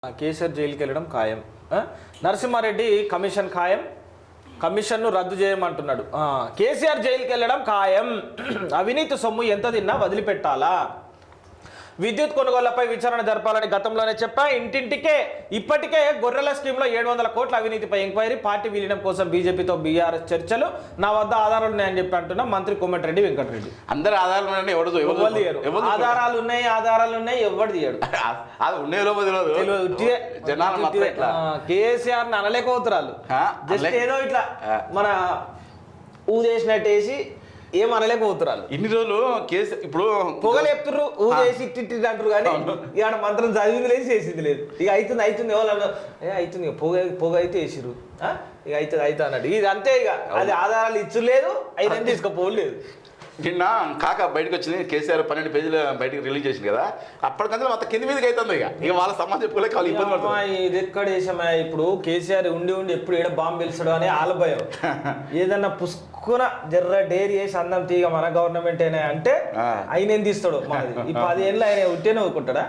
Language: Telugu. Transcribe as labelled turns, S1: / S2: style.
S1: కేసీఆర్ జైలుకి వెళ్ళడం ఖాయం. నరసింహారెడ్డి కమిషన్ ఖాయం, కమిషన్ను రద్దు చేయమంటున్నాడు. కేసీఆర్ జైలుకి వెళ్ళడం ఖాయం, అవినీతి సొమ్ము ఎంత తిన్నా వదిలిపెట్టాలా, విద్యుత్ కొనుగోళ్లపై విచారణ జరపాలని గతంలోనే చెప్పా. ఇంటింటికే ఇప్పటికే గొర్రెల స్కీమ్లో 700 కోట్ల అవినీతిపై ఎంక్వైరీ, పార్టీ విలీనం కోసం బీజేపీతో బీఆర్ఎస్ చర్చలు, నా వద్ద ఆధారాలు ఉన్నాయని చెప్పి అంటున్నా మంత్రి కోమటిరెడ్డి వెంకటరెడ్డి.
S2: అందరు ఆధారాలు ఉన్నాయని
S1: ఆధారాలు ఉన్నాయి ఎవరు తీయడు. కేసీఆర్ అనలేకపోతురాలు జస్ట్ ఏదో ఇట్లా మన ఊదేసినట్టేసి ఏం అనలేకపోతురాలు.
S2: ఇన్ని రోజులు కేసు ఇప్పుడు
S1: పొగలు చెప్తుర్రు, ఊదేసి ఇట్టి అంటారు కానీ ఇక మంత్రం చదివింది లేదు చేసింది లేదు. ఇక అవుతుంది ఎవరన్నా అవుతుంది, పొగ అయితే వేసిర్రు, ఇక అవుతుంది అన్నాడు. ఇది అంతే, ఇక అది ఆధారాలు ఇచ్చు లేదు, అయినా తీసుకుపోలేదు.
S2: నిన్న కాక బయటకు వచ్చింది, కేసీఆర్ 12 పేజీలు బయటకు రిలీజ్ చేసింది కదా, అప్పటికంతా మొత్తం కింది మీదకి అవుతుంది. ఇక వాళ్ళ సమాజం చెప్పుకోలేక వాళ్ళు ఇబ్బంది పడుతుంది.
S1: ఇది ఎక్కడ వేసామా ఇప్పుడు కేసీఆర్ ఉండి ఎప్పుడు ఏడ బాంబు వెలిసాడు అని ఆల భయం. ఏదన్నా పుష్కున జర్ర డేరీ వేసి అందం తీగ మన గవర్నమెంట్ అయినా అంటే ఆయన ఏం తీస్తాడు. మనది ఈ 10 ఏళ్ళు ఆయన ఉంటేనే ఊరుకుంటాడా?